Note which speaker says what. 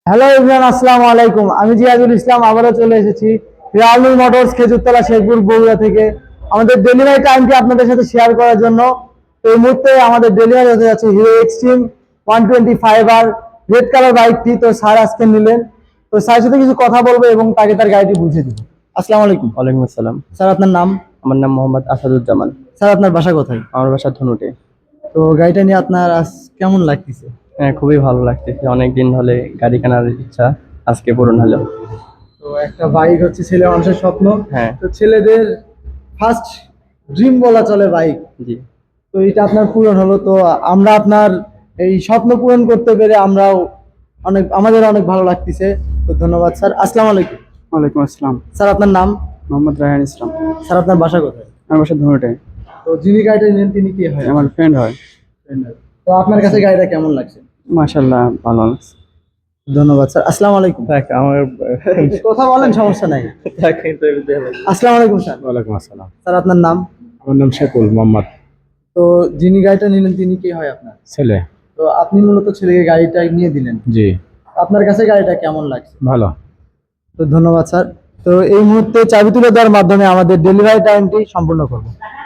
Speaker 1: Hello everyone, আসসালামু আলাইকুম। আমি জিয়াদুল ইসলাম আবারও চলে এসেছি রিয়ালমি মোটরস খেজুরতলা শেখপুর বগুড়া থেকে আমাদের ডেলিভারি টাইমটি আপনাদের সাথে শেয়ার করার জন্য। তো এই মুহূর্তে আমাদের ডেলিভারি হতে যাচ্ছে হিরো এক্সট্রিম 125 আর রেড কালার বাইকটি। তো স্যার আজকে নিলেন, তো স্যারের সাথে কিছু কথা বলবো এবং তাকে তার গাড়িটি বুঝিয়ে দিব। আসসালামু আলাইকুম।
Speaker 2: ওয়ালাইকুম আসসালাম।
Speaker 1: স্যার, আপনার নাম?
Speaker 2: আমার নাম মোহাম্মদ আসাদুজ্জামান।
Speaker 1: স্যার, আপনার বাসা কোথায়?
Speaker 2: আমার বাসা ধনুটে।
Speaker 1: তো গাড়িটা নিয়ে আপনার আজ কেমন লাগতেছে?
Speaker 2: হ্যাঁ, খুবই ভালো লাগতেছে। অনেকদিন হলে গাড়ি কেনার ইচ্ছা আজকে পূরণ হলো।
Speaker 1: তো একটা বাইক হচ্ছে ছেলে মানুষের স্বপ্ন।
Speaker 2: হ্যাঁ।
Speaker 1: তো ছেলেদের ফার্স্ট ড্রিম বলা চলে বাইক।
Speaker 2: জি।
Speaker 1: তো এটা আপনার পূরণ হলো। তো আমরা আপনার এই স্বপ্ন পূরণ করতে পেরে আমরাও আমাদের অনেক ভালো লাগতেছে। তো ধন্যবাদ স্যার। আসসালামু আলাইকুম।
Speaker 2: ওয়ালাইকুম আসসালাম।
Speaker 1: স্যার, আপনার নাম?
Speaker 2: মোহাম্মদ রায়হান ইসলাম।
Speaker 1: স্যার, আপনার বাসা কোথায়?
Speaker 2: আমার বাসা ধনুটে।
Speaker 1: তো যিনি গাড়িটা নেন তিনি কি হয়?
Speaker 2: আমার ফ্রেন্ড হয়।
Speaker 1: তো আপনার কাছে গাড়িটা কেমন লাগছে?
Speaker 2: মাশাআল্লাহ, ভালো লাগছে।
Speaker 1: ধন্যবাদ স্যার। আসসালামু আলাইকুম।
Speaker 2: আমার
Speaker 1: কথা বলেন, সমস্যা নাই। আসসালামু আলাইকুম স্যার।
Speaker 3: ওয়ালাইকুম আসসালাম।
Speaker 1: স্যার, আপনার নাম?
Speaker 3: আমার নাম শেকুল মোহাম্মদ।
Speaker 1: তো যিনি গাড়িটা নিলেন তিনি কি হয় আপনার?
Speaker 3: ছেলে।
Speaker 1: তো আপনি মূলত ছেলেকে গাড়িটা নিয়ে দিলেন।
Speaker 3: জি।
Speaker 1: আপনার কাছে গাড়িটা কেমন লাগছে?
Speaker 3: ভালো।
Speaker 1: তো ধন্যবাদ স্যার। তো এই মুহূর্তে চাবি তুলে দেওয়ার মাধ্যমে আমাদের ডেলিভারি টাইমটি সম্পূর্ণ করব।